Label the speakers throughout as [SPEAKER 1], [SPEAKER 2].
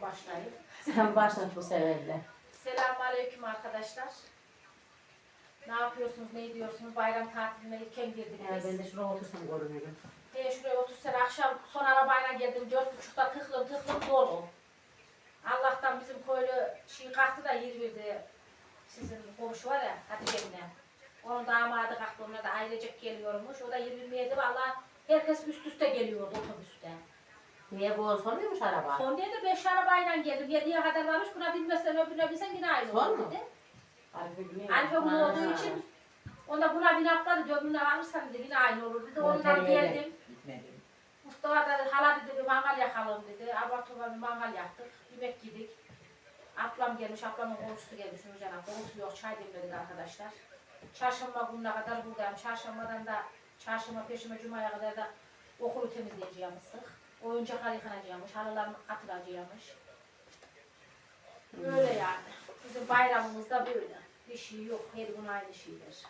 [SPEAKER 1] başlayayım.
[SPEAKER 2] Sen başlat bu sefer de.
[SPEAKER 1] Selamünaleyküm arkadaşlar. Ne yapıyorsunuz, ne ediyorsunuz? Bayram tatiline erken girdiniz.
[SPEAKER 2] Ben de şuraya otursam görünürüm.
[SPEAKER 1] Şuraya otursan akşam son arabayla geldim. 4.30'da tıklım dolu. Allah'tan bizim köylü kalktı da yer verdi. Sizin komşu var ya Hatice'mle. Onun damadı kalktı, onlar da ailecek geliyormuş. O da yer vermeyedi. Valla herkes üst üste geliyordu otobüste.
[SPEAKER 2] Niye bu son muymuş araba?
[SPEAKER 1] Son diye de 5 arabayla geldim. 7'ye kadar varmış. Buna binmezsen öbürüne binsen yine aynı
[SPEAKER 2] Son
[SPEAKER 1] olur
[SPEAKER 2] mu?
[SPEAKER 1] dedi.
[SPEAKER 2] Arife
[SPEAKER 1] Alfa olduğu için onda buna bin atladı. Döbünle alırsan dedi yine aynı olur dedi. Ondan geldim. Mustafa da hala dedi bir mangal yakalım dedi. Abartıma bir mangal yaktık. Yemek yedik. Ablam gelmiş, ablamın komşusu gelmiş Nurcan abla. Oturuyor, çay demledik arkadaşlar. Çarşamba gününe kadar buradayım. Çarşambadan da çarşamba, perşembe, cumaya kadar da okulu temizleyeceğimizdik. Oyuncaklar yıkanacakmış, halılar atılacakmış. Böyle yani. Bizim bayramımızda böyle. Bir şey yok, her gün aynı şeydir.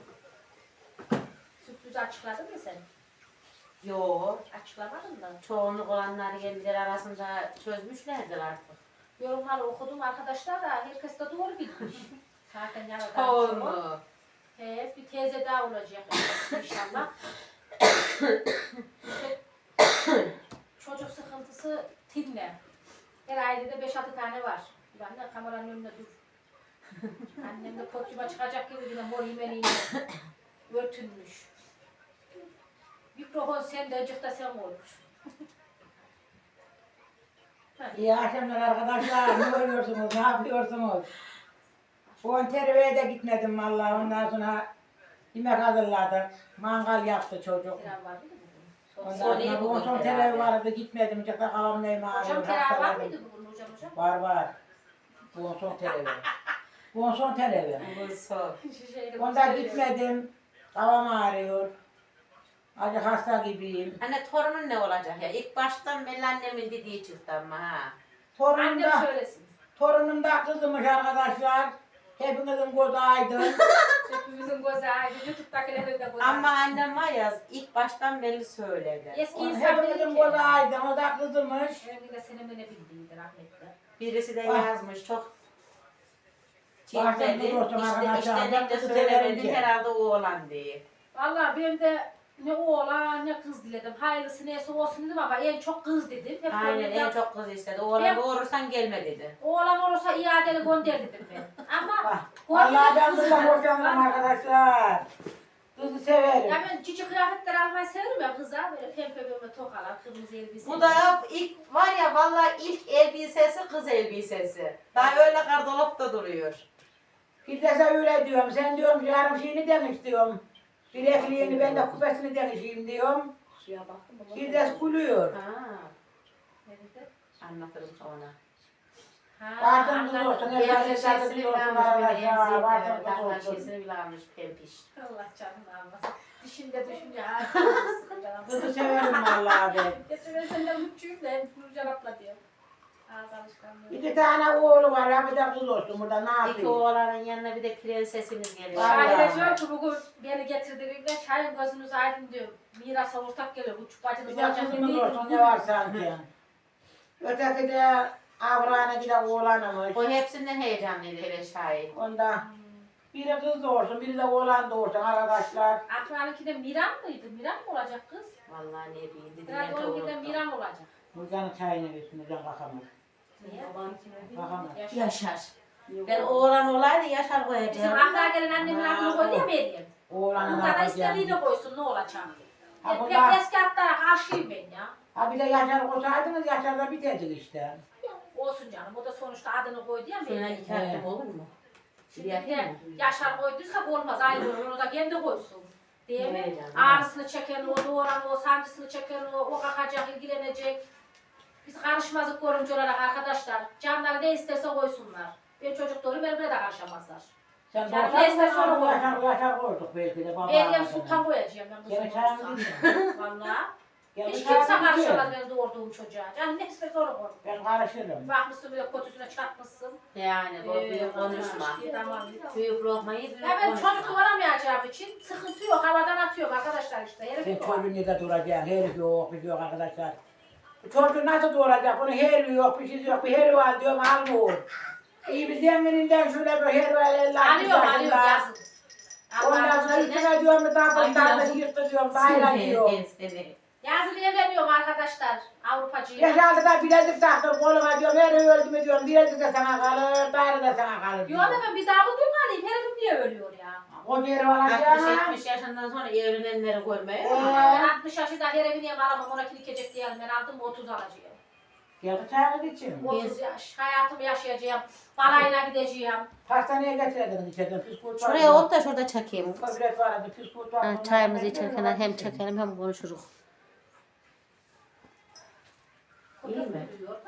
[SPEAKER 1] Sürpriz açıkladın mı sen?
[SPEAKER 2] Yok.
[SPEAKER 1] Açıklamadın mı?
[SPEAKER 2] Çoğunluk olanlar kendileri arasında çözmüşlerdir artık.
[SPEAKER 1] Yorumları okudum arkadaşlar da herkes de doğru bilmiş. Zaten yaradan
[SPEAKER 2] Çoğunluk.
[SPEAKER 1] Evet, bir teyze daha olacak inşallah. Çocuk sıkıntısı tinle. Her ailede 5-6 tane var. Ben de kameranın önünde dur. Annem de potyuma çıkacak gibi yine mor yemeniyle örtünmüş. Mikrofon sende, acık da sen olmuş.
[SPEAKER 3] İyi akşamlar arkadaşlar. Ne oluyorsunuz? Ne yapıyorsunuz? Konterveye de gitmedim vallahi. Ondan sonra yemek hazırladık. Mangal yaptı çocuk.
[SPEAKER 1] Terav var mıydı bugün?
[SPEAKER 3] Ondan sonra bu son terevi vardı gitmedim. Çıktı kavam neyim
[SPEAKER 1] Hocam
[SPEAKER 3] ağrıyor.
[SPEAKER 1] terav var mıydı bugün hocam?
[SPEAKER 3] Var var. Bu son terevi. Bu son terevi.
[SPEAKER 2] Bu son.
[SPEAKER 3] Ondan gitmedim. Kavam ağrıyor. Acı hasta gibiyim.
[SPEAKER 2] Anne torunun ne olacak ya? İlk baştan belli annemin dediği çıktı ama ha.
[SPEAKER 3] Torunum
[SPEAKER 1] Annem
[SPEAKER 3] da,
[SPEAKER 1] söylesin.
[SPEAKER 3] torunum da kızmış arkadaşlar. Hepinizin gözü aydın.
[SPEAKER 1] Hepimizin gözü ayrı. YouTube'dakilerin de gözü
[SPEAKER 2] Ama
[SPEAKER 1] ayrı.
[SPEAKER 2] annem var ya ilk baştan belli söyledi.
[SPEAKER 1] Eski insan
[SPEAKER 3] Hepinizin
[SPEAKER 1] bilir
[SPEAKER 3] gözü
[SPEAKER 1] ki.
[SPEAKER 3] aydın. O da kızmış.
[SPEAKER 1] Benim de senin ne bildiğiydi rahmetli.
[SPEAKER 2] Birisi de
[SPEAKER 3] Ah.
[SPEAKER 2] yazmış çok
[SPEAKER 3] Bazen
[SPEAKER 2] çiftleri.
[SPEAKER 3] bulursun arkadaşlar,
[SPEAKER 2] İşte
[SPEAKER 3] ben
[SPEAKER 2] de
[SPEAKER 3] kızı severim
[SPEAKER 2] söylemedin
[SPEAKER 3] ki.
[SPEAKER 2] herhalde o olan diye.
[SPEAKER 1] Vallahi ben de ne oğlan ne kız diledim. Hayırlısı neyse olsun dedim ama en çok kız dedim. Hep
[SPEAKER 2] Aynen
[SPEAKER 1] gönlümden-
[SPEAKER 2] en çok kız istedi. Oğlan doğurursan gelme dedi.
[SPEAKER 1] Oğlan olursa iadeli gönder dedim ben. Ama
[SPEAKER 3] Bak, vallahi ben
[SPEAKER 1] kız
[SPEAKER 3] kızdan
[SPEAKER 1] var.
[SPEAKER 3] hoşlanırım arkadaşlar. Kızı severim.
[SPEAKER 1] Ya ben cici kıyafetler almayı severim ya kıza. Böyle pembe pembe tokalar, kırmızı elbise.
[SPEAKER 2] Bu da ilk var ya vallahi ilk elbisesi kız elbisesi. Daha öyle gardolapta duruyor.
[SPEAKER 3] Firdevs'e öyle diyorum. Sen diyorum yarım şeyini demiş diyorum. Bilekliğini ben de kupesini demişim diyorum.
[SPEAKER 1] Suya baktım. baba.
[SPEAKER 3] Firdevs gülüyor.
[SPEAKER 2] Ha,
[SPEAKER 1] Ne dedi?
[SPEAKER 2] anlatırım sonra.
[SPEAKER 3] Vardım kız
[SPEAKER 1] anladım.
[SPEAKER 3] olsun.
[SPEAKER 2] Pempiş
[SPEAKER 3] Efendim
[SPEAKER 2] şeysini
[SPEAKER 3] sen
[SPEAKER 2] bile
[SPEAKER 3] diyorsun
[SPEAKER 2] almış böyle
[SPEAKER 3] arkadaşlar.
[SPEAKER 2] emzik.
[SPEAKER 3] Vardım
[SPEAKER 2] Evet,
[SPEAKER 3] kız
[SPEAKER 2] takla
[SPEAKER 3] olsun.
[SPEAKER 2] şeysini bile almış pempiş.
[SPEAKER 1] Allah canını almasın. Dişinde düşünce
[SPEAKER 3] Kızı severim vallahi ben.
[SPEAKER 1] Geçen ben senden mutluyum da hep Nurcan abla diyor. Ağız alışkanlığı.
[SPEAKER 3] 2 tane oğlu var. Ha bir de kız olsun burada ne
[SPEAKER 2] İki
[SPEAKER 3] yapayım?
[SPEAKER 2] oğlanın yanına bir de prensesimiz geliyor.
[SPEAKER 3] Vallahi.
[SPEAKER 1] Şahide diyor ki bugün beni getirdiğimde Şahin gözünüz aydın diyor. Mirasa ortak geliyor. Bu
[SPEAKER 3] Bir
[SPEAKER 1] bacınız
[SPEAKER 3] de
[SPEAKER 1] olacak
[SPEAKER 3] kızımız
[SPEAKER 1] değil.
[SPEAKER 3] olsun ne var sanki. Öteki de Avrana giden oğlanımış.
[SPEAKER 2] O hepsinden heyecanlıydı hele şahit.
[SPEAKER 3] Onda biri kız doğursun, biri de oğlan doğursun arkadaşlar.
[SPEAKER 1] Akran'ınki de Miran mıydı? Miran mı olacak kız?
[SPEAKER 2] Vallahi ne bileyim dedi.
[SPEAKER 1] Herhalde onunki de Miran olacak.
[SPEAKER 3] Nurcan'ın çayını versin, Nurcan kalkamaz.
[SPEAKER 1] Niye?
[SPEAKER 3] Kalkamaz.
[SPEAKER 1] Yaşar.
[SPEAKER 2] Yaşar. Ben oğlan olaydı Yaşar
[SPEAKER 1] Bizim
[SPEAKER 2] koyacağım.
[SPEAKER 1] Akran'a gelen annemin adını koydu ya Meryem.
[SPEAKER 3] Oğlanın
[SPEAKER 1] Bunda da
[SPEAKER 3] yapacağım.
[SPEAKER 1] istediğini koysun ne olacak?
[SPEAKER 3] Ha,
[SPEAKER 1] Hep
[SPEAKER 3] bunda-
[SPEAKER 1] eski hatlara karşıyım ben ya.
[SPEAKER 3] Ha bir de Yaşar koysaydınız, Yaşar da biterdik işte.
[SPEAKER 1] Olsun canım. O da sonuçta adını koydu ya
[SPEAKER 2] Şuna
[SPEAKER 1] Meryem.
[SPEAKER 2] iki hakkım olur mu?
[SPEAKER 1] Şimdi
[SPEAKER 2] Yapayım
[SPEAKER 1] de
[SPEAKER 2] mı?
[SPEAKER 1] Yaşar koyduysak olmaz. Ayrı olur. Onu da kendi koysun. Değil mi?
[SPEAKER 2] Evet canım.
[SPEAKER 1] Ağrısını çeken o, doğuran o, sancısını çeken o kalkacak, ilgilenecek. Biz karışmazlık korumcu olarak arkadaşlar. Canları ne isterse koysunlar. Ben çocuk doğru benimle de karışamazlar.
[SPEAKER 3] Sen
[SPEAKER 1] Yani
[SPEAKER 3] doğursan
[SPEAKER 1] neyse
[SPEAKER 3] mı
[SPEAKER 1] sonra koy.
[SPEAKER 3] Yaşar koyduk belki de.
[SPEAKER 1] Meryem Sultan koyacağım ben bu
[SPEAKER 3] Gene
[SPEAKER 1] sene.
[SPEAKER 3] çayımı değil
[SPEAKER 1] Valla.
[SPEAKER 3] Ya
[SPEAKER 1] Hiç
[SPEAKER 3] bir
[SPEAKER 1] kimse
[SPEAKER 3] çayımı
[SPEAKER 1] karışamaz
[SPEAKER 3] değil.
[SPEAKER 1] benim doğurduğum çocuğa. Canım ne isterse onu koy.
[SPEAKER 3] Ben karışırım.
[SPEAKER 1] Bakmışsın bir de kötüsüne çarpmışsın.
[SPEAKER 2] Yani bu büyük konuşma.
[SPEAKER 1] Tamam.
[SPEAKER 2] Büyük lokmayı büyük
[SPEAKER 1] Ya ben çocuk
[SPEAKER 2] konuşma.
[SPEAKER 1] doğuramayacağım için sıkıntı yok. Havadan atıyorum arkadaşlar işte. Herif
[SPEAKER 3] Sen
[SPEAKER 1] yok.
[SPEAKER 3] çocuğun yerde duracaksın. Herif yok, bir yok arkadaşlar. Çocuğu nasıl doğuracak? Bunun heri yok, bir şey yok. Bir heri var diyorum, almıyor. İyi bir zengininden şöyle bir heri var.
[SPEAKER 1] Alıyorum yazın.
[SPEAKER 3] Ondan sonra üstüne diyorum, bir daha bir tane yırttı diyorum, bayram diyor.
[SPEAKER 1] Yazın evleniyorum arkadaşlar. Avrupacıyım.
[SPEAKER 3] Yaşaldı da bilezik taktım koluma diyorum, heri öldü mü diyorum, bilezik de sana kalır, daire de sana kalır
[SPEAKER 1] Yok
[SPEAKER 3] diyorum.
[SPEAKER 1] da ben bir daha bu duymalıyım. Herifim niye ölüyor ya?
[SPEAKER 3] O heri olacak.
[SPEAKER 2] 60-70 yaşından sonra evlenenleri görmeye.
[SPEAKER 1] Ben 60 yaşında herifim niye alamam, ona kilikecek diyelim. Ben aldım 30 alacağım.
[SPEAKER 3] Geldi çayını için.
[SPEAKER 1] 30 yaş. Hayatımı yaşayacağım. Balayına gideceğim.
[SPEAKER 3] Pastaneye getirdiniz içeriden, püskurt var.
[SPEAKER 2] Şuraya ot da şurada çakayım.
[SPEAKER 3] Kobret vardı, püskurt var.
[SPEAKER 2] Ha, çayımızı içerken hem çekelim hem konuşuruz. İyi mi?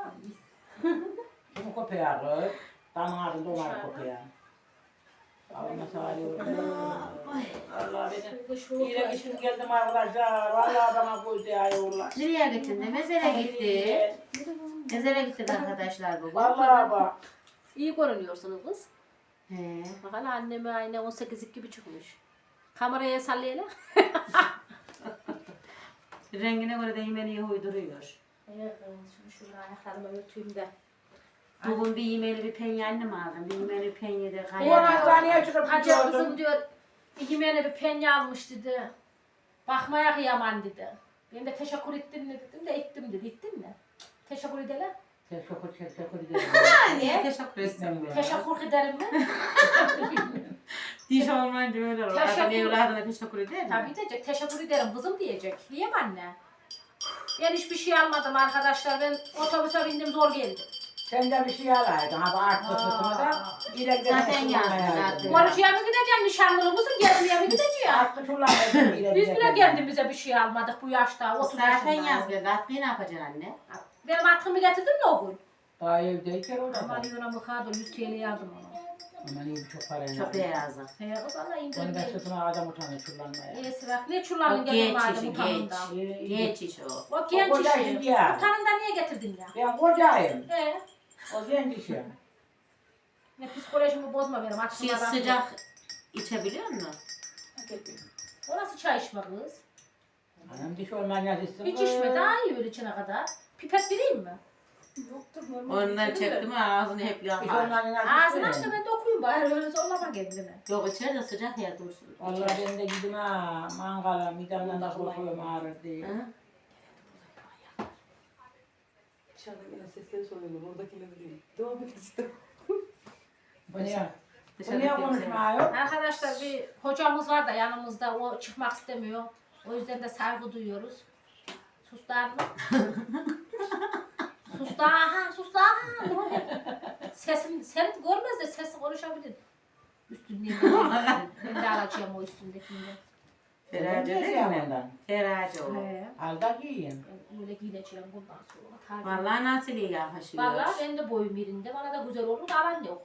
[SPEAKER 3] Kim kopayağı kız? Damın ağzında onlar kopayağı. Allah'ına sağlık. Allah benim. Yine işim geldim arkadaşlar. Vallahi bana koydu ya yollar.
[SPEAKER 2] Nereye gittin? Mezere gitti. Mezere gittik arkadaşlar bugün.
[SPEAKER 3] Vallahi bak.
[SPEAKER 1] İyi görünüyorsunuz kız.
[SPEAKER 2] He.
[SPEAKER 1] Bakın anneme aynı 18 gibi çıkmış. Kameraya sallayalım.
[SPEAKER 2] Rengine göre de yemeğini uyduruyor.
[SPEAKER 1] Evet, şimdi şöyle ayaklarımı örteyim de.
[SPEAKER 2] Bugün bir yemeğli bir penye annem aldım. Bir yemeğli bir penye de
[SPEAKER 3] Bu
[SPEAKER 2] kayar.
[SPEAKER 3] hastaneye çıkıp
[SPEAKER 1] Hacı kızım
[SPEAKER 3] gidiyordum.
[SPEAKER 1] diyor, ikimene bir penye almış dedi. Bakmaya kıyaman dedi. Ben de teşekkür ettim mi dedim de ettim dedi. Ettin mi? Teşekkür edelim.
[SPEAKER 3] Teşekkür ederim.
[SPEAKER 2] Niye? Teşekkür ederim.
[SPEAKER 1] Teşekkür ederim mi?
[SPEAKER 2] Diş olmayınca öyle olur.
[SPEAKER 1] Teşekkür-
[SPEAKER 2] Adam evladına teşekkür eder mi?
[SPEAKER 1] Tabii diyecek. Teşekkür ederim kızım diyecek. Diyeyim anne. Ben hiçbir şey almadım arkadaşlar. Ben otobüse bindim zor geldim.
[SPEAKER 3] Sen de bir şey alaydın. Ha bu arttı sırtını da. İle gidelim.
[SPEAKER 2] Zaten yazdı.
[SPEAKER 1] Konuşuya mı gideceğim? Nişanlılığı mısın? Gelmeye mi gideceğim?
[SPEAKER 3] Arttı şuralarda.
[SPEAKER 1] Biz bile kendimize bir şey almadık bu yaşta. 30
[SPEAKER 2] Zaten
[SPEAKER 1] yaşında.
[SPEAKER 2] yazdı. Atkıyı ne yapacaksın anne?
[SPEAKER 1] Benim atkımı getirdin mi o gün?
[SPEAKER 3] Daha evdeyken orada.
[SPEAKER 1] Aman yuna mıkadı 100 TL aldım ona.
[SPEAKER 3] Aman iyi çok parayla.
[SPEAKER 2] Çok beyazı.
[SPEAKER 1] He kız Allah
[SPEAKER 3] Onu
[SPEAKER 1] indirim
[SPEAKER 3] ben
[SPEAKER 1] değil.
[SPEAKER 3] sırtına adam utanıyor çullanmaya.
[SPEAKER 1] İyisi bak. Ne
[SPEAKER 2] O
[SPEAKER 1] çullanın
[SPEAKER 2] geç
[SPEAKER 1] geldim madem
[SPEAKER 2] işi
[SPEAKER 1] utanından.
[SPEAKER 2] geç. Geç iş o.
[SPEAKER 1] O genç
[SPEAKER 3] O koca
[SPEAKER 1] işi.
[SPEAKER 3] işi ya.
[SPEAKER 1] Utanından niye getirdin ya?
[SPEAKER 3] Ben kocayım.
[SPEAKER 1] He.
[SPEAKER 3] O genç işim.
[SPEAKER 1] Ne psikolojimi bozma benim.
[SPEAKER 2] Şey
[SPEAKER 1] Aklıma bak.
[SPEAKER 2] sıcak içebiliyor musun?
[SPEAKER 1] Orası çay içme kız.
[SPEAKER 3] Anam diş olmayan istedim.
[SPEAKER 1] Hiç içme daha iyi öyle içene kadar. Pipet vereyim mi? Yoktur normal.
[SPEAKER 2] Ondan çektim ağzını hep
[SPEAKER 3] Diş
[SPEAKER 2] yakar.
[SPEAKER 3] olmayan
[SPEAKER 1] Ağzını aç da ben de okuyayım bari. Öyle zorlama kendini.
[SPEAKER 2] Yok içeride sıcak ya dursun.
[SPEAKER 3] Vallahi ben de gidin ha mangala midemden de korkuyorum ağrır diye.
[SPEAKER 2] Hı?
[SPEAKER 4] Dışarıdan gelen sesleri soruyorlar. Oradakileri değil. Devam et işte.
[SPEAKER 3] Bu niye? Bu
[SPEAKER 2] Dışarıda
[SPEAKER 3] niye
[SPEAKER 2] kimse
[SPEAKER 3] konuşmuyor?
[SPEAKER 1] Arkadaşlar bir hocamız var da yanımızda. O çıkmak istemiyor. O yüzden de saygı duyuyoruz. Sus da mı? Sus da aha, sus da aha. Ne oluyor? Sesim, seni görmez de sesi konuşabilir. Üstünden. Ben de alacağım o üstündekinden.
[SPEAKER 2] Ferace
[SPEAKER 3] Ne
[SPEAKER 2] değil
[SPEAKER 3] diyeyim
[SPEAKER 2] mi?
[SPEAKER 3] ondan?
[SPEAKER 2] Ferace o.
[SPEAKER 3] Al da giyin.
[SPEAKER 1] Ben öyle giyineceğim bundan sonra. Tabii.
[SPEAKER 2] Vallahi nasıl iyi yakışıyor.
[SPEAKER 1] Vallahi ben de boyum birinde. Bana da güzel olur. Alan yok.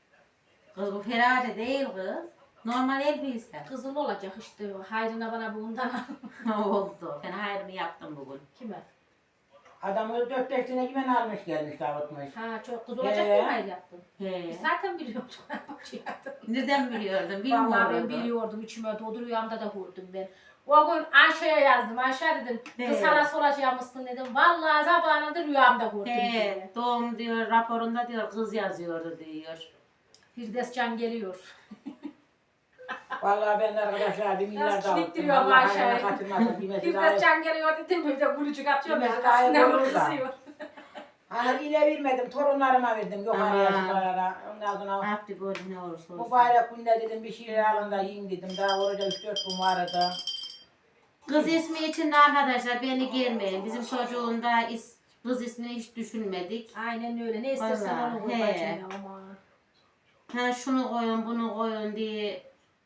[SPEAKER 2] Kız bu ferace değil kız. Normal elbise.
[SPEAKER 1] Kızıl olacak işte. Hayrına bana bundan al.
[SPEAKER 2] Oldu. Ben hayrımı yaptım bugün.
[SPEAKER 1] Kime?
[SPEAKER 3] Adam 4-5 tane güven almış gelmiş dağıtmış.
[SPEAKER 1] Ha çok kız olacak
[SPEAKER 3] He.
[SPEAKER 1] mı hayır yaptın?
[SPEAKER 2] He.
[SPEAKER 1] Biz zaten biliyorduk. Şey yaptım.
[SPEAKER 2] Nereden biliyordun?
[SPEAKER 1] Vallahi
[SPEAKER 2] Bilmiyorum.
[SPEAKER 1] ben biliyordum. İçime doğdu. Rüyamda da gördüm ben. O gün Ayşe'ye yazdım. Ayşe dedim. Kız
[SPEAKER 2] He.
[SPEAKER 1] sana soracağımızsın dedim. Vallahi zamanında rüyamda gördüm.
[SPEAKER 2] He,
[SPEAKER 1] diye.
[SPEAKER 2] doğum diyor, raporunda diyor, kız yazıyordu diyor.
[SPEAKER 1] Firdevs Can geliyor.
[SPEAKER 3] Vallahi ben de arkadaşlar bir milyar
[SPEAKER 1] Biraz
[SPEAKER 3] dağıttım.
[SPEAKER 1] kilitleniyor
[SPEAKER 3] Allah
[SPEAKER 1] Ayşe.
[SPEAKER 3] hayranı kaçırmasın. Bilmesi daha
[SPEAKER 1] Firdevs Can geliyor dedim. Bir de gülücük atıyorum.
[SPEAKER 3] Bilmesi
[SPEAKER 1] ya.
[SPEAKER 3] daha iyi
[SPEAKER 1] Aslında
[SPEAKER 3] olur da.
[SPEAKER 1] kızıyor.
[SPEAKER 3] Hani ile vermedim, torunlarıma verdim. Yok araya
[SPEAKER 2] Aa.
[SPEAKER 3] çıkarara. Ondan sonra
[SPEAKER 2] Abdi gol ne olursa olsun.
[SPEAKER 3] mübarek günde dedim bir şeyler alın da yiyin dedim. Daha orada 3-4 gün vardı.
[SPEAKER 2] Kız ismi için de arkadaşlar beni girmeyin. Bizim çocuğunda kız ismini hiç düşünmedik.
[SPEAKER 1] Aynen öyle. Ne istersen
[SPEAKER 2] Vallahi,
[SPEAKER 1] onu koy
[SPEAKER 2] he.
[SPEAKER 1] bacana ama.
[SPEAKER 2] Ha şunu koyun, bunu koyun diye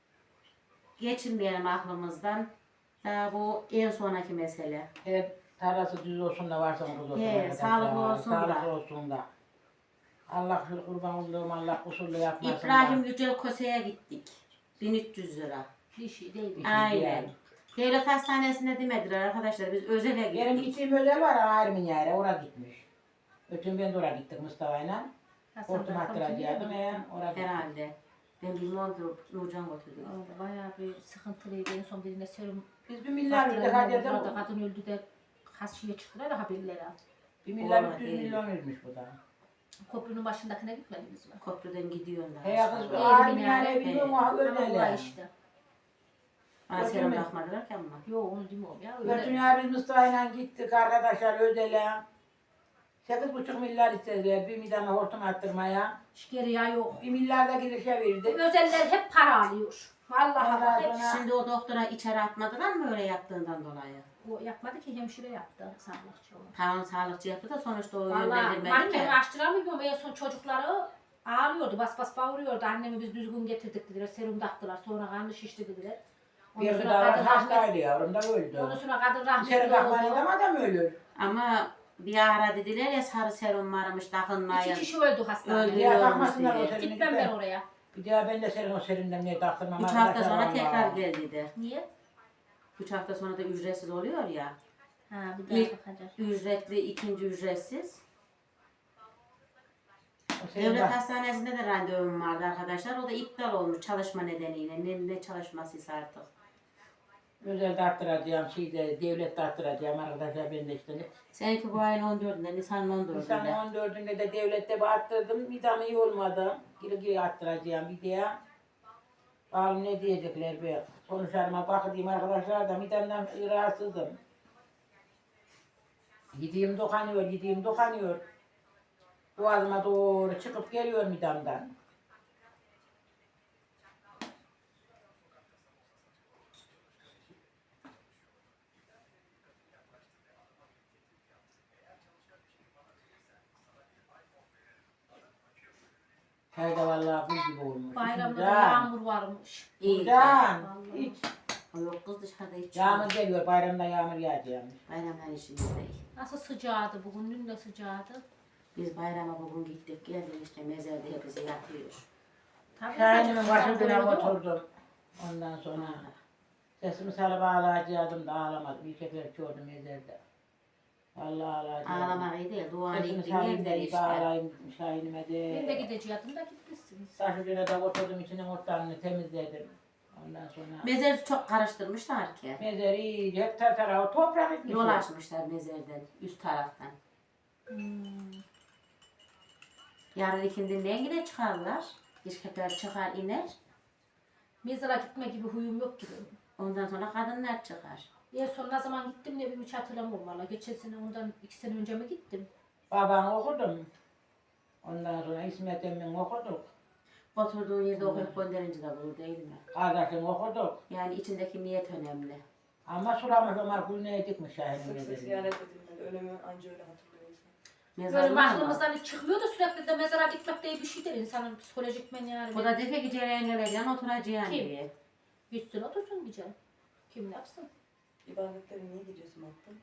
[SPEAKER 2] geçirmeyelim aklımızdan. Daha bu en sonraki mesele.
[SPEAKER 3] Evet, tarlası düz olsun da varsa kız olsun.
[SPEAKER 2] He,
[SPEAKER 3] arkadaşlar.
[SPEAKER 2] sağlıklı olsun da.
[SPEAKER 3] Sağlıklı olsun da. Allah şu kurban olduğum Allah kusurlu yapmasın
[SPEAKER 2] İbrahim
[SPEAKER 3] da.
[SPEAKER 2] Yücel Kose'ye gittik. 1300 lira.
[SPEAKER 1] Bir şey değil.
[SPEAKER 3] Bir şey
[SPEAKER 2] Aynen.
[SPEAKER 3] değil.
[SPEAKER 2] Devlet hastanesine demediler arkadaşlar. Biz özele
[SPEAKER 3] Benim
[SPEAKER 2] gittik.
[SPEAKER 3] gittiğim özel var ama ayrımın yeri, oraya gitmiş. Ötün ben de oraya gittik Mustafa'yla.
[SPEAKER 1] Hasan
[SPEAKER 3] Hortum
[SPEAKER 1] Bey,
[SPEAKER 3] attıracaktım oraya gittik.
[SPEAKER 2] Herhalde. Ben bilmiyorum ki Nurcan götürdü.
[SPEAKER 1] Orada bayağı bir sıkıntılıydı. En son birine serum
[SPEAKER 3] Biz bir milyar verdik
[SPEAKER 1] baktılar.
[SPEAKER 3] hadi
[SPEAKER 1] Burada
[SPEAKER 3] de
[SPEAKER 1] kadın öldü de kaç şeye çıktılar da haberleri.
[SPEAKER 3] 1 milyar
[SPEAKER 2] Vallahi
[SPEAKER 3] 300
[SPEAKER 2] değil.
[SPEAKER 3] milyon vermiş bu da.
[SPEAKER 1] Köprünün başındakine gitmediniz mi?
[SPEAKER 2] Köprüden gidiyorlar.
[SPEAKER 3] He kız
[SPEAKER 2] aşağı.
[SPEAKER 3] ağır
[SPEAKER 1] Eğri
[SPEAKER 3] minare
[SPEAKER 1] minare.
[SPEAKER 3] bilmiyorum o
[SPEAKER 1] Ama
[SPEAKER 3] öyle.
[SPEAKER 1] olay işte.
[SPEAKER 2] Bana selam bakmadılar ki ama.
[SPEAKER 1] Yok onu demiyorum ya.
[SPEAKER 3] Götün
[SPEAKER 1] Öyle.
[SPEAKER 3] ya biz Mustafa'yla gittik arkadaşlar Özel'e. 8,5 milyar istediler bir midana hortum attırmaya.
[SPEAKER 1] Geri ya yok.
[SPEAKER 3] 1 milyar da girişe
[SPEAKER 1] Bu
[SPEAKER 3] verdik.
[SPEAKER 1] özeller hep para alıyor. Vallahi
[SPEAKER 3] Ondan
[SPEAKER 1] bak hep
[SPEAKER 3] sonra-
[SPEAKER 2] Şimdi o doktora içeri atmadılar mı öyle yaptığından dolayı?
[SPEAKER 1] o yapmadı ki hemşire yaptı sağlıkçı olarak.
[SPEAKER 2] Tamam sağlıkçı yaptı da sonuçta o
[SPEAKER 1] Vallahi
[SPEAKER 2] yönlendirmedi
[SPEAKER 1] mahkeme
[SPEAKER 2] mi?
[SPEAKER 1] açtıramıyorum. En son çocukları ağlıyordu. Bas bas bağırıyordu. Annemi biz düzgün getirdik dediler. Serum taktılar. Sonra karnı şişti dediler.
[SPEAKER 3] Bir
[SPEAKER 1] Ondan
[SPEAKER 3] kız
[SPEAKER 1] sonra
[SPEAKER 3] daha
[SPEAKER 1] kadın rahmet.
[SPEAKER 3] hastaydı yavrum da öldü.
[SPEAKER 1] Ondan sonra kadın rahmetli
[SPEAKER 3] İçeri bakmayın
[SPEAKER 1] oldu.
[SPEAKER 3] ama adam ölür.
[SPEAKER 2] Ama bir ara dediler ya sarı serum varmış
[SPEAKER 1] İki
[SPEAKER 2] takılmayın.
[SPEAKER 1] kişi öldü hastanede.
[SPEAKER 2] Öldü.
[SPEAKER 3] Ya
[SPEAKER 2] Ölüyormuş
[SPEAKER 3] bakmasınlar o
[SPEAKER 2] diye.
[SPEAKER 3] serine
[SPEAKER 1] Gitmem ben oraya.
[SPEAKER 3] Bir daha ben de senin o serinden niye taktırmam
[SPEAKER 2] 3 hafta
[SPEAKER 3] arkadaşlar
[SPEAKER 2] sonra
[SPEAKER 3] vallahi.
[SPEAKER 2] tekrar gel dedi.
[SPEAKER 1] Niye?
[SPEAKER 2] 3 hafta sonra da ücretsiz oluyor ya.
[SPEAKER 1] Ha bir daha
[SPEAKER 2] İlk
[SPEAKER 1] bakacağım.
[SPEAKER 2] ücretli, ikinci ücretsiz.
[SPEAKER 3] O senin
[SPEAKER 2] Devlet
[SPEAKER 3] bak-
[SPEAKER 2] hastanesinde de randevum vardı arkadaşlar. O da iptal olmuş çalışma nedeniyle. Ne çalışmasıysa artık.
[SPEAKER 3] Özel arttıracağım, devlet arttıracağım arkadaşlar ben de işte.
[SPEAKER 2] Seninki bu ayın 14'ünde, Nisan'ın
[SPEAKER 3] Nisan
[SPEAKER 2] 14'ünde.
[SPEAKER 3] 14'ünde de devlette bir arttırdım, midem iyi olmadı. Geri arttıracağım bir diye. Bakalım ne diyecekler be. Sonuçlarıma bakayım arkadaşlar da midemden rahatsızım. Yediğim dokanıyor. Boğazıma doğru çıkıp geliyor midemden. Çayda vallahi buz gibi olmuş.
[SPEAKER 1] Bayramda da
[SPEAKER 3] Can,
[SPEAKER 1] yağmur varmış.
[SPEAKER 2] İyi.
[SPEAKER 3] Can,
[SPEAKER 1] Vallahi.
[SPEAKER 3] hiç.
[SPEAKER 2] O yok kız dışarıda hiç.
[SPEAKER 3] Yağmur geliyor, bayramda yağmur yağacakmış.
[SPEAKER 2] Bayramdan işimiz değil.
[SPEAKER 1] Nasıl sıcağdı bugün? Dün de sıcağdı.
[SPEAKER 2] Biz bayrama bugün gittik geldik işte mezarda hepsi yatıyor.
[SPEAKER 1] Tabii
[SPEAKER 3] Şahin'imin
[SPEAKER 1] sıcak
[SPEAKER 3] başına
[SPEAKER 1] oluyordu.
[SPEAKER 3] oturdum. Ondan sonra sesimi sarı bağlayacaktım da ağlamadım. Yiyecekler çoğunu mezarda. Vallahi ağlayacaktım.
[SPEAKER 2] Ağlamak iyi değil. Duanı
[SPEAKER 3] Sesimi
[SPEAKER 2] ettin
[SPEAKER 3] sarayım
[SPEAKER 2] evden
[SPEAKER 3] dedi,
[SPEAKER 2] işte.
[SPEAKER 3] bağırayım Şahin'ime
[SPEAKER 1] Ben de
[SPEAKER 3] de.
[SPEAKER 1] gidecektim da gitmişsiniz.
[SPEAKER 3] Taşucuna da oturdum, içinin otlarını temizledim. Ondan sonra
[SPEAKER 2] Mezarı çok karıştırmışlar ki.
[SPEAKER 3] mezarı iyice hep tarafı toprak etmiş.
[SPEAKER 2] Yol açmışlar mezardan üst taraftan.
[SPEAKER 1] Hmm.
[SPEAKER 2] Yarın ikindinin yine çıkarlar. İşkepler çıkar iner.
[SPEAKER 1] Mezara gitme gibi huyum yok gibi.
[SPEAKER 2] Ondan sonra kadınlar çıkar.
[SPEAKER 1] En son ne zaman gittim ne bileyim hiç hatırlamıyorum valla. Geçen sene ondan 2 sene önce mi gittim?
[SPEAKER 3] Babamı okudum. Ondan sonra İsmet Emmi'ni okuduk.
[SPEAKER 2] Oturduğun yerde okuyup gönderince de bulur değil mi?
[SPEAKER 3] Kardeşimi okuduk.
[SPEAKER 2] Yani içindeki niyet önemli.
[SPEAKER 3] Ama sulamış Ömer Gülne'ye dikmiş Şahin'in
[SPEAKER 4] Sık sık
[SPEAKER 3] mezarını.
[SPEAKER 4] ziyaret edilmeli. Ölümü anca öyle hatırlıyor insan.
[SPEAKER 1] Böyle
[SPEAKER 2] Mezarlar mı?
[SPEAKER 1] aklımızdan hiç çıkmıyor da sürekli de mezara gitmek diye bir şeydir insanın psikolojik men yani.
[SPEAKER 2] O da defe gideceğin geleceksin oturacaksın
[SPEAKER 1] Kim?
[SPEAKER 2] diye.
[SPEAKER 1] Gitsin otursun gece. Kim ne yapsın?
[SPEAKER 4] İbadetlere niye gidiyorsun Hakkı?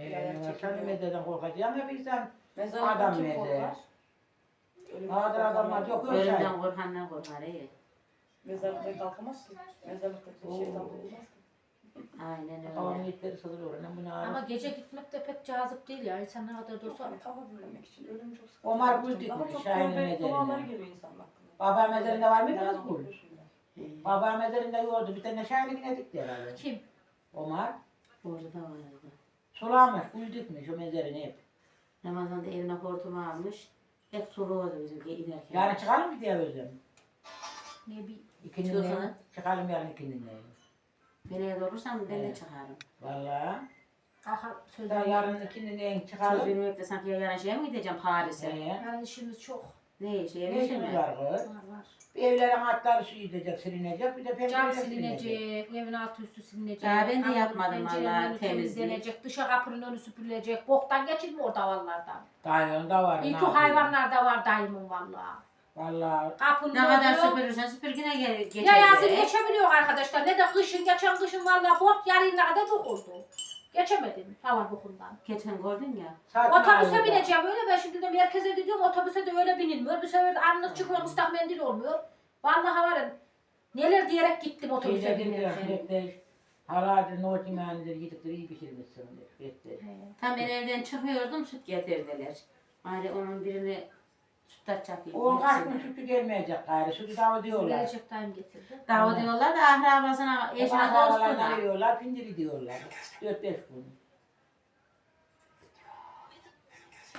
[SPEAKER 3] Sen mezardan korkacağım ya bir sen.
[SPEAKER 4] Mezarlıktan
[SPEAKER 3] Adam
[SPEAKER 4] kim
[SPEAKER 3] mezarı.
[SPEAKER 4] korkar? Ölümden
[SPEAKER 3] Nadir
[SPEAKER 4] korkan
[SPEAKER 3] adamlar
[SPEAKER 4] var.
[SPEAKER 3] yok.
[SPEAKER 2] Ölümden korkandan korkar iyi.
[SPEAKER 4] Mezarlıkta kalkamazsın. Mezarlıkta şeytan bulunmaz ki.
[SPEAKER 2] Aynen
[SPEAKER 3] Havanın
[SPEAKER 2] öyle.
[SPEAKER 3] yetleri sızılıyor. Ne bunu
[SPEAKER 1] Ama
[SPEAKER 3] ağrı.
[SPEAKER 1] gece gitmek de pek cazip değil ya. İnsan ne kadar da olsa.
[SPEAKER 4] Sonra kafa dinlemek için ölüm çok sıkıntı.
[SPEAKER 3] Omar
[SPEAKER 4] Ama
[SPEAKER 3] Gül dikmiş,
[SPEAKER 4] çok
[SPEAKER 3] Şahin'in
[SPEAKER 4] tövbe
[SPEAKER 3] mezarına.
[SPEAKER 4] duaları geliyor insanın aklına.
[SPEAKER 3] Baba mezarında var mıydı
[SPEAKER 4] Yani
[SPEAKER 3] kız Gül?
[SPEAKER 4] korkuyorsun ya.
[SPEAKER 3] Baba mezarında yoktu. Bir tane Şahin'ine dikti herhalde.
[SPEAKER 1] Kim?
[SPEAKER 3] Omar.
[SPEAKER 2] Orada da vardı.
[SPEAKER 3] Sulamış, gül dikmiş o mezarını hep.
[SPEAKER 2] Ramazan'da evine hortumu almış. Hep suluyordu bizimki inerken.
[SPEAKER 3] Yarın çıkalım mı diye özüm.
[SPEAKER 1] Ne bir
[SPEAKER 3] İkinin
[SPEAKER 2] Çıkalım.
[SPEAKER 3] çıkalım yarın ikinin
[SPEAKER 2] Ben evde olursam ben de
[SPEAKER 3] Evet.
[SPEAKER 2] çıkarım.
[SPEAKER 3] Valla.
[SPEAKER 1] aha söz
[SPEAKER 3] Daha yarın ikinin
[SPEAKER 2] Söz
[SPEAKER 3] çıkalım.
[SPEAKER 2] vermeyip de sanki yarın şeye mi gideceğim Paris'e?
[SPEAKER 1] yani işimiz çok
[SPEAKER 2] Ne şeye
[SPEAKER 3] Ne
[SPEAKER 2] mi
[SPEAKER 3] işimiz
[SPEAKER 2] mi?
[SPEAKER 3] var kız?
[SPEAKER 1] var.
[SPEAKER 3] Bir evlerin atları su gidecek, silinecek. Bir de
[SPEAKER 1] Cam
[SPEAKER 3] pencereler silinecek.
[SPEAKER 1] silinecek, evin altı üstü silinecek.
[SPEAKER 2] Ya ben de
[SPEAKER 1] kapının
[SPEAKER 2] yapmadım
[SPEAKER 1] pencerenin
[SPEAKER 2] vallahi,
[SPEAKER 1] önü
[SPEAKER 2] temizlik.
[SPEAKER 1] temizlenecek, dışa kapının önü süpürülecek. Boktan geçilmiyor o davallardan.
[SPEAKER 3] Dayında var.
[SPEAKER 1] İyi
[SPEAKER 3] ne
[SPEAKER 1] ki
[SPEAKER 3] yapayım?
[SPEAKER 1] hayvanlarda var dayımın valla.
[SPEAKER 3] Valla.
[SPEAKER 1] Kapının
[SPEAKER 2] Ne kadar
[SPEAKER 1] önü.
[SPEAKER 2] süpürürsen süpür yine geçer.
[SPEAKER 1] Ya yazın geçebiliyor arkadaşlar. Ne de kışın, geçen kışın valla bot yarına kadar dokuldu. Geçemedim hava bokundan.
[SPEAKER 2] Geçen gördün ya.
[SPEAKER 1] Otobüse bineceğim öyle ben şimdi de merkeze gidiyorum otobüse de öyle binilmiyor. Bir sefer de anlık çıkıyor ıslak mendil olmuyor. Vallahi varın neler diyerek gittim otobüse
[SPEAKER 3] Şeyde
[SPEAKER 1] binirken.
[SPEAKER 3] gidiyor. Haladır, nohut yemeğinidir, yedikleri iyi pişirmişsindir. Bekle.
[SPEAKER 2] Tam ben evden çıkıyordum süt getirdiler. Bari onun birini süt açacak.
[SPEAKER 3] O kaç gün sütü gelmeyecek gayrı. Sütü dağı diyorlar.
[SPEAKER 1] Verecek dayım getirdi.
[SPEAKER 2] Dağı diyorlar da ahrabasına, eşine
[SPEAKER 3] Eşine
[SPEAKER 2] dostuna.
[SPEAKER 3] veriyorlar, pindiri diyorlar. 4-5 gün.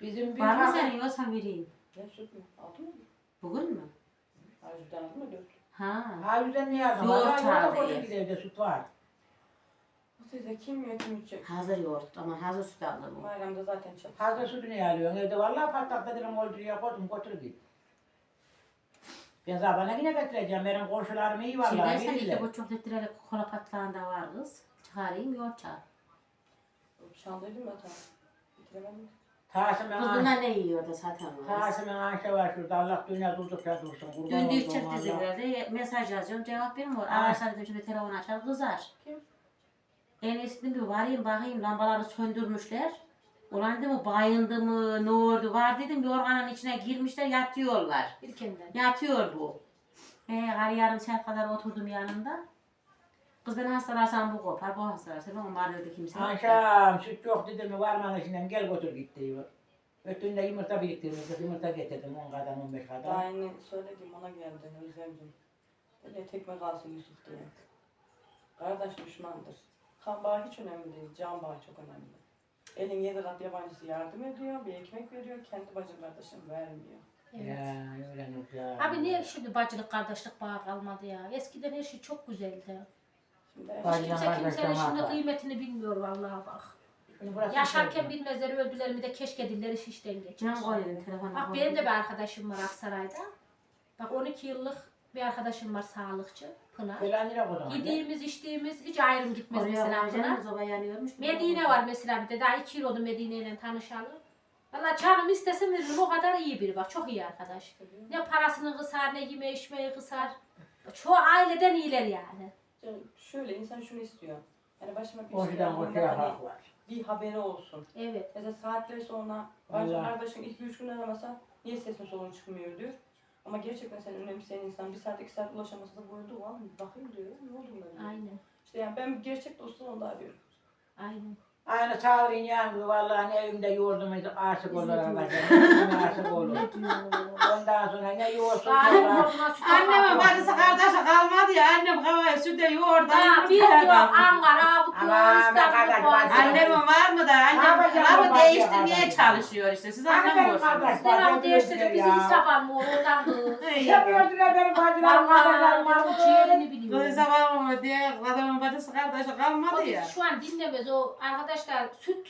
[SPEAKER 3] Bizim bir
[SPEAKER 2] Var mı
[SPEAKER 3] tane
[SPEAKER 2] senin yoksa vereyim?
[SPEAKER 4] Ne süt mü? Aldın mı?
[SPEAKER 2] Bugün mü?
[SPEAKER 4] Ayrıca aldın mı? 4.
[SPEAKER 2] Ha.
[SPEAKER 3] Harbiden ne yazdım?
[SPEAKER 2] Yoğurt
[SPEAKER 3] Yoğurt
[SPEAKER 2] çağırdı
[SPEAKER 3] koca
[SPEAKER 2] ya.
[SPEAKER 3] bir evde süt var.
[SPEAKER 4] Bu teyze kim yiyor kim içecek?
[SPEAKER 2] Hazır yoğurt ama hazır süt aldım.
[SPEAKER 4] Bayramda zaten çok.
[SPEAKER 3] Fazla sütünü alıyorsun evde. Vallahi patlak dedim olduruya koydum götür git. Ben zabana yine getireceğim. Benim komşularım iyi
[SPEAKER 2] Şey
[SPEAKER 3] vallahi.
[SPEAKER 2] dersen
[SPEAKER 3] bilirler.
[SPEAKER 2] 2,5 litrelik kola patlağında var kız. Çıkarayım yoğurt çağır.
[SPEAKER 4] Çaldıydım ben tamam. Bitiremedim.
[SPEAKER 3] Tasım'ın
[SPEAKER 2] Kız bunlar ne yiyor da zaten var.
[SPEAKER 3] Tasım'ın Ayşe var şurada. Allah dünya durdukça dursun. Kurban
[SPEAKER 2] Dün
[SPEAKER 3] olduğum
[SPEAKER 2] dil çek
[SPEAKER 3] Allah.
[SPEAKER 2] dediler mesaj yazıyorum cevap vermiyor.
[SPEAKER 3] Ha.
[SPEAKER 2] Arkadaşlar dedim şimdi telefon açar kızar.
[SPEAKER 4] Kim?
[SPEAKER 2] En iyisi bir varayım bakayım lambaları söndürmüşler. Ulan dedim bayındı mı ne oldu var dedim yorganın içine girmişler yatıyorlar.
[SPEAKER 1] İlkenden.
[SPEAKER 2] Yatıyor bu. Yarım saat kadar oturdum yanında. Kız ben hastalarsam bu kopar, bu hastalarsa ben var dedi kimse. yok.
[SPEAKER 3] Akşam süt yok dedim mi varmanın içinden gel götür git diyor. Ötünde yumurta biriktirmiştik. Yumurta getirdim 10 kadar 15
[SPEAKER 4] Daha
[SPEAKER 3] kadar.
[SPEAKER 4] yeni söyledim ona geldi Özlemciğim. Böyle tekme kalsın Yusuf diye. Kardeş düşmandır. Kan bağı hiç önemli değil. Can bağı çok önemli. Elin 7 kat yabancısı yardım ediyor. Bir ekmek veriyor. Kendi bacım kardeşim vermiyor.
[SPEAKER 1] Evet.
[SPEAKER 3] Ya öyle Nurcan.
[SPEAKER 1] Abi niye şimdi bacılık kardeşlik bağı kalmadı ya? Eskiden her şey çok güzeldi.
[SPEAKER 4] Şimdi
[SPEAKER 3] Bacı-
[SPEAKER 1] Hiç kimse
[SPEAKER 3] kardeşler
[SPEAKER 1] kimsenin şimdi
[SPEAKER 3] var.
[SPEAKER 1] kıymetini bilmiyor vallahi bak.
[SPEAKER 3] Şimdi burası
[SPEAKER 1] Yaşarken
[SPEAKER 3] güzel.
[SPEAKER 1] bilmezler öldüler mi de keşke dilleri şişten geçmiş.
[SPEAKER 2] Can koydum telefona.
[SPEAKER 1] Bak benim de bir arkadaşım var Aksaray'da. Bak 12 yıllık bir arkadaşım var sağlıkçı Pınar.
[SPEAKER 3] Falan nereye koydun?
[SPEAKER 1] Yediğimiz içtiğimiz hiç ayrım gitmez mesela
[SPEAKER 2] Oraya
[SPEAKER 1] Pınar.
[SPEAKER 2] hocam zoba yanıyormuş.
[SPEAKER 1] Medine var mesela bir de daha 2 yıl oldu Medine ile tanışalı. Valla canım istesem veririm o kadar iyi biri bak çok iyi arkadaş. Ne parasını kısar ne yeme içmeyi kısar. Çoğu aileden iyiler yani.
[SPEAKER 4] şöyle insan şunu istiyor. Yani başıma bir şey
[SPEAKER 3] Komşudan
[SPEAKER 4] olduğunda
[SPEAKER 3] komşuya
[SPEAKER 4] hani
[SPEAKER 3] hak var.
[SPEAKER 4] bir haberi olsun.
[SPEAKER 1] Evet.
[SPEAKER 4] Mesela saatler sonra bacım
[SPEAKER 3] Allah.
[SPEAKER 4] kardeşim 2-3 gün aramasa niye sesin solun çıkmıyor diyor. Ama gerçekten seni önemseyen insan 1 saat 2 saat ulaşamasa da bu arada var mı? Bakayım diyor. Ne oldu bunlar?
[SPEAKER 1] Aynen.
[SPEAKER 4] İşte yani ben gerçek dostum onu da arıyorum.
[SPEAKER 1] Aynen.
[SPEAKER 3] Aynı sağırın yan gibi vallahi ne evimde yoğurdum aşık olur
[SPEAKER 1] Biz ne
[SPEAKER 3] arkadaşlar. Aşık olur.
[SPEAKER 1] Ne diyor?
[SPEAKER 3] Ondan sonra ne yoğursun
[SPEAKER 1] Galiba
[SPEAKER 3] sonra.
[SPEAKER 1] buna süt
[SPEAKER 2] Annemin
[SPEAKER 1] yapar.
[SPEAKER 2] bacısı kardeşi kalmadı ya. Annem havaya süte yoğurdu.
[SPEAKER 1] Ha, biz diyor Ankara, bu diyor
[SPEAKER 3] Aman be
[SPEAKER 1] İstanbul,
[SPEAKER 3] kardeş,
[SPEAKER 1] Boğaziçi.
[SPEAKER 3] bacı.
[SPEAKER 2] Annemin var mı da annem
[SPEAKER 3] yapacağım
[SPEAKER 2] lafı
[SPEAKER 3] bu
[SPEAKER 2] değiştirmeye
[SPEAKER 3] bacıya
[SPEAKER 2] çalışıyor işte. Siz
[SPEAKER 3] Hani benim
[SPEAKER 2] anlamıyorsunuz.
[SPEAKER 3] kardeş-
[SPEAKER 1] Selam değiştirdi bizi
[SPEAKER 3] Ya.
[SPEAKER 1] İsrapan mı oradan kız.
[SPEAKER 3] Yapıyordular benim bacılarım kardeşlerim
[SPEAKER 1] Vallahi
[SPEAKER 3] var.
[SPEAKER 1] bu ciğerini biliyor.
[SPEAKER 2] Kızı var mı diye adamın bacısı kardeşi
[SPEAKER 1] O
[SPEAKER 2] kalmadı ya.
[SPEAKER 1] bizi şu an dinlemez o arkadaşlar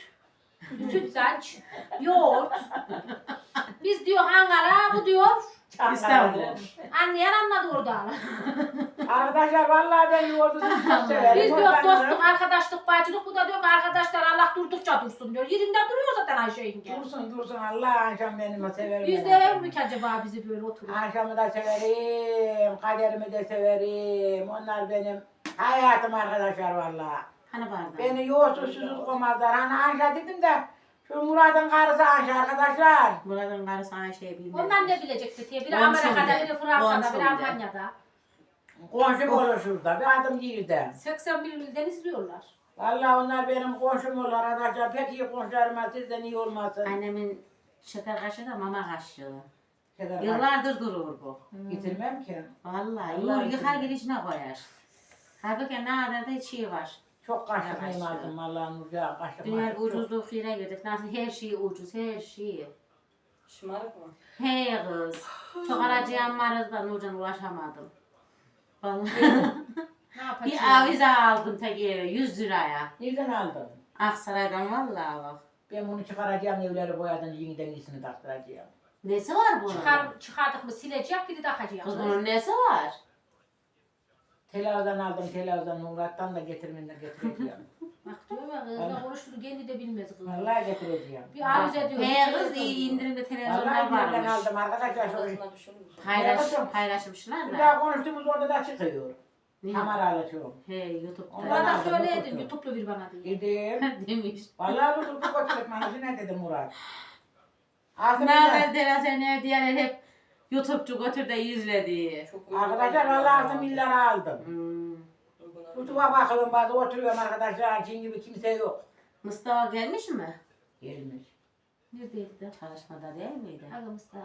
[SPEAKER 1] sütlaç, yoğurt. Biz diyor Ankara, bu diyor
[SPEAKER 2] İstanbul.
[SPEAKER 1] anlayan anladı oradan.
[SPEAKER 3] Arkadaşlar vallahi ben yoğurdu çok severim.
[SPEAKER 1] Biz
[SPEAKER 3] O
[SPEAKER 1] diyor
[SPEAKER 3] ben-
[SPEAKER 1] dostluk, arkadaşlık, bacılık. Bu da diyor ki arkadaşlar Allah durdukça dursun diyor. Yerinde duruyor zaten Ayşe yenge.
[SPEAKER 3] Dursun Allah akşam benim severim.
[SPEAKER 1] Biz de ev mi ki acaba bizi böyle oturuyor?
[SPEAKER 3] Akşamı da severim, kaderimi de severim. Onlar benim hayatım arkadaşlar vallahi.
[SPEAKER 2] Hani bardağı?
[SPEAKER 3] Beni yoğursuz susuz koymazlar. Hani Anşa dedim de şu Murat'ın karısı Anşa arkadaşlar.
[SPEAKER 2] Murat'ın karısı Ayşe'yi bilmez.
[SPEAKER 1] Onlar ne bilecekti diye. Biri
[SPEAKER 2] Komşum
[SPEAKER 1] Amerika'da,
[SPEAKER 2] de.
[SPEAKER 1] biri Fransa'da,
[SPEAKER 2] Komşum
[SPEAKER 1] biri
[SPEAKER 2] de.
[SPEAKER 1] Almanya'da.
[SPEAKER 3] Komşum olur şurada. Bir adım girdi.
[SPEAKER 1] 81 ilden izliyorlar.
[SPEAKER 3] Vallahi onlar benim komşum olur arkadaşlar. Pek iyi komşularıma sizden iyi olmasın.
[SPEAKER 2] Annemin şeker kaşığı da mama kaşığı.
[SPEAKER 3] Şeker
[SPEAKER 2] Yıllardır durur bu.
[SPEAKER 3] Getirmem ki.
[SPEAKER 2] Vallahi
[SPEAKER 3] Allah
[SPEAKER 2] yıkar
[SPEAKER 3] için.
[SPEAKER 2] girişine koyar. Halbuki ne kadar da şey var.
[SPEAKER 3] Çok kaşık
[SPEAKER 2] Kaşığı.
[SPEAKER 3] aldım vallahi Nurca kaşık.
[SPEAKER 2] Dünya
[SPEAKER 3] maşık çok.
[SPEAKER 2] ucuzluk yere girdik. Nasıl her şey ucuz, her şey.
[SPEAKER 4] Şımarık mı?
[SPEAKER 2] Hey kız. Çok aracıyan varız da Nurcan ulaşamadım. Vallahi
[SPEAKER 1] Ne yapacağız?
[SPEAKER 2] bir avize aldım tek eve 100 liraya.
[SPEAKER 3] Nereden aldın?
[SPEAKER 2] Aksaray'dan vallahi bak.
[SPEAKER 3] Ben bunu çıkaracağım evleri boyadan yeniden iyisini taktıracağım.
[SPEAKER 2] Nesi var bunun?
[SPEAKER 1] Çıkardık mı silecek, biri takacak.
[SPEAKER 2] Kız bunun nesi var?
[SPEAKER 3] Televizyon aldım televizyon Murat'tan da getirmeden getireceğim.
[SPEAKER 1] Bak diyor ya kız ne konuştuğunu kendi de bilmez kız.
[SPEAKER 3] Vallahi getireceğim.
[SPEAKER 1] Bir avize diyor.
[SPEAKER 2] Hey
[SPEAKER 1] bir
[SPEAKER 2] kız
[SPEAKER 1] televizyon
[SPEAKER 2] iyi
[SPEAKER 1] diyor.
[SPEAKER 2] indirimde televizyonlar
[SPEAKER 3] Vallahi nereden
[SPEAKER 2] varmış.
[SPEAKER 3] aldım arkadaşlar. Şu
[SPEAKER 4] Odasına düşünür müsün?
[SPEAKER 2] Paylaşmışlar
[SPEAKER 3] bir
[SPEAKER 2] da.
[SPEAKER 3] daha konuştuğumuz orada da çıkıyor.
[SPEAKER 2] Ne?
[SPEAKER 3] Kameralı şu.
[SPEAKER 2] He YouTube'da.
[SPEAKER 3] Ondan
[SPEAKER 1] Bana
[SPEAKER 3] aldım,
[SPEAKER 1] söyleydin
[SPEAKER 3] oturdum.
[SPEAKER 1] YouTube'lu bir bana diye.
[SPEAKER 3] Dedim.
[SPEAKER 2] Demiş.
[SPEAKER 3] Vallahi tutuldu götürüp manası ne dedi Murat. Altı
[SPEAKER 2] Ne
[SPEAKER 3] milyar.
[SPEAKER 2] haber Derasen ev diyenler hep YouTube'cu götür de izle diye.
[SPEAKER 4] Çok uygun
[SPEAKER 3] Arkadaşlar
[SPEAKER 4] değil.
[SPEAKER 3] vallahi 6 milyara aldım.
[SPEAKER 2] Hmm.
[SPEAKER 4] Uygun değil.
[SPEAKER 3] Kutuğa bakıyorum bazı oturuyorum arkadaşlar. Çin gibi kimse yok.
[SPEAKER 2] Mustafa gelmiş mi?
[SPEAKER 3] Gelmiş.
[SPEAKER 1] Neredeydi de?
[SPEAKER 2] Çalışmada değil miydi?
[SPEAKER 1] Ağımızda.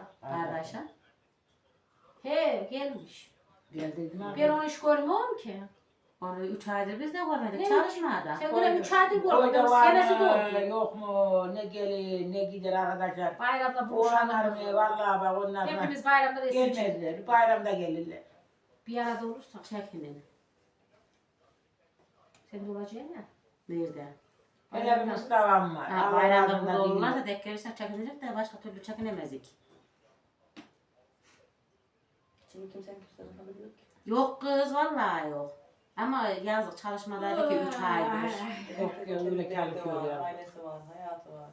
[SPEAKER 2] Kardeşim.
[SPEAKER 1] He gelmiş.
[SPEAKER 3] Geldiydim abi.
[SPEAKER 1] Ben onu hiç görmüyorum ki.
[SPEAKER 2] Onu 3 aydır biz de görmedik
[SPEAKER 1] Ne?
[SPEAKER 2] çalışmada.
[SPEAKER 1] Sen böyle 3 aydır
[SPEAKER 3] Koyda
[SPEAKER 1] görmedin.
[SPEAKER 3] var
[SPEAKER 1] Senesi
[SPEAKER 3] mı,
[SPEAKER 1] doldu.
[SPEAKER 3] yok mu, ne gelir, ne gider arkadaşlar.
[SPEAKER 1] Bayramda
[SPEAKER 3] Oğlanlar
[SPEAKER 1] buluşalım.
[SPEAKER 3] mı, vallahi bak onlar da
[SPEAKER 1] Hepimiz bayramda resim çekelim.
[SPEAKER 3] gelmezler, bayramda gelirler.
[SPEAKER 1] Bir arada olursak.
[SPEAKER 2] Çekinin.
[SPEAKER 1] Sen de olacaksın ya.
[SPEAKER 2] Nerede?
[SPEAKER 3] Hele bir Mustafa'm var.
[SPEAKER 2] Ha,
[SPEAKER 3] Allah
[SPEAKER 2] bayramda
[SPEAKER 3] razı
[SPEAKER 2] burada
[SPEAKER 3] olsun
[SPEAKER 2] olurlarsa
[SPEAKER 3] diyor.
[SPEAKER 2] denk gelirsek çekinecek de başka türlü çekinemezdik.
[SPEAKER 4] Şimdi kimsenin kimsenin haberi yok ki.
[SPEAKER 2] Yok kız vallahi yok. Ama yazık çalışmadaydı ki 3 aydır.
[SPEAKER 3] Yok ya, öyle çalışıyor ya.
[SPEAKER 4] Ailesi var, hayatı var.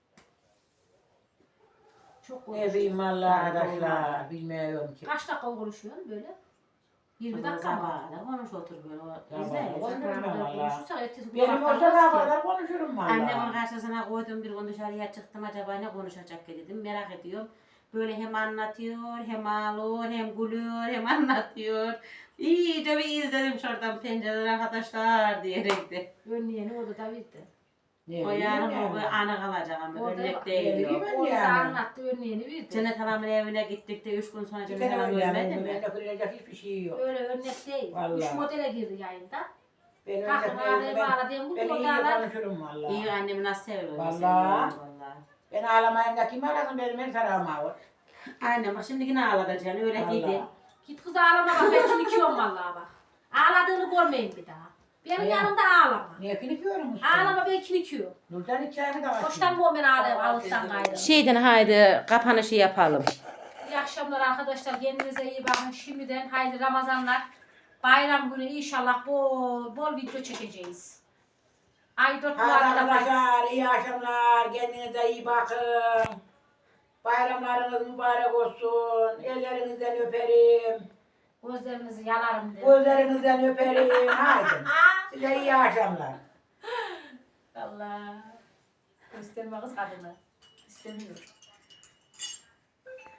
[SPEAKER 1] Çok
[SPEAKER 3] Ne
[SPEAKER 1] konuşuyor.
[SPEAKER 3] bileyim vallahi arkadaşlar, bilmiyorum ki.
[SPEAKER 1] Kaç dakika konuşuyorsun böyle? 20 dakika mı?
[SPEAKER 2] Sabahına konuş otur böyle.
[SPEAKER 3] Sabahına
[SPEAKER 2] İzle.
[SPEAKER 3] konuş.
[SPEAKER 1] Konuşursak ertesi gün
[SPEAKER 3] Benim olsa
[SPEAKER 1] bakmaz
[SPEAKER 3] daha
[SPEAKER 1] ki.
[SPEAKER 3] kadar konuşurum vallahi.
[SPEAKER 2] Annemin karşısına koydum bir gün dışarıya çıktım acaba ne konuşacak ki dedim merak ediyorum. Böyle hem anlatıyor hem ağlıyor hem gülüyor hem anlatıyor. İyice bir izledim şuradan pencereden arkadaşlar diyerek de.
[SPEAKER 1] Önleyeni orada da bitti.
[SPEAKER 3] Ne
[SPEAKER 2] O yarın
[SPEAKER 3] bileyim
[SPEAKER 2] o
[SPEAKER 3] yani.
[SPEAKER 2] ana kalacak ama
[SPEAKER 1] Orada
[SPEAKER 2] örnek
[SPEAKER 1] bak,
[SPEAKER 2] değil
[SPEAKER 3] ne
[SPEAKER 2] yok.
[SPEAKER 3] bileyim.
[SPEAKER 1] Orada
[SPEAKER 3] yani.
[SPEAKER 1] anlattı önleyeni bitti.
[SPEAKER 2] Cennet Hanım'ın evine gittik de 3 gün sonra
[SPEAKER 3] Bir
[SPEAKER 2] Cennet
[SPEAKER 3] tane
[SPEAKER 2] Hanım
[SPEAKER 3] öyle
[SPEAKER 2] ölmedi
[SPEAKER 3] yani.
[SPEAKER 2] mi?
[SPEAKER 3] Bende kırılacak hiçbir şey yok.
[SPEAKER 1] Öyle örnek değil.
[SPEAKER 3] Vallahi.
[SPEAKER 1] 3 modele girdi yayında.
[SPEAKER 3] Ben
[SPEAKER 1] Kalkın ağrıya bağladığım bu
[SPEAKER 3] ben iyi
[SPEAKER 1] modalar.
[SPEAKER 3] konuşurum vallahi.
[SPEAKER 2] İyi annemi nasıl seviyorum.
[SPEAKER 3] Vallahi.
[SPEAKER 2] Vallahi.
[SPEAKER 3] Ben ağlamayayım da kim ağlasın benim her tarafım ağır.
[SPEAKER 2] Annem bak şimdi yine ağlatacaksın öyle
[SPEAKER 3] Vallahi.
[SPEAKER 2] dedim.
[SPEAKER 1] Git kız ağlama bak ben kilikiyorum vallahi bak. Ağladığını görmeyin bir daha. Benim
[SPEAKER 3] Ne?
[SPEAKER 1] yanımda ağlama.
[SPEAKER 3] Niye kilikiyorum usta?
[SPEAKER 1] Ağlama ben kilikiyorum.
[SPEAKER 3] Nurcan hiç çayını da açmıyor.
[SPEAKER 1] Hoştan bu ben ağlayayım alıktan gayrı.
[SPEAKER 2] Şeyden haydi kapanışı yapalım.
[SPEAKER 1] İyi akşamlar arkadaşlar. Kendinize iyi bakın. Şimdiden haydi Ramazanlar. Bayram günü inşallah bol video çekeceğiz. Ay 4
[SPEAKER 3] Hadi
[SPEAKER 1] numarada
[SPEAKER 3] arkadaşlar iyi akşamlar. Kendinize iyi bakın. Bayramlarınız mübarek olsun. Ellerinizden öperim.
[SPEAKER 1] gözlerinizi yalarım dedim.
[SPEAKER 3] Gözlerinizden öperim. Haydi. Size iyi akşamlar.
[SPEAKER 1] Allah. Gösterme kız kadını. İstemiyorum.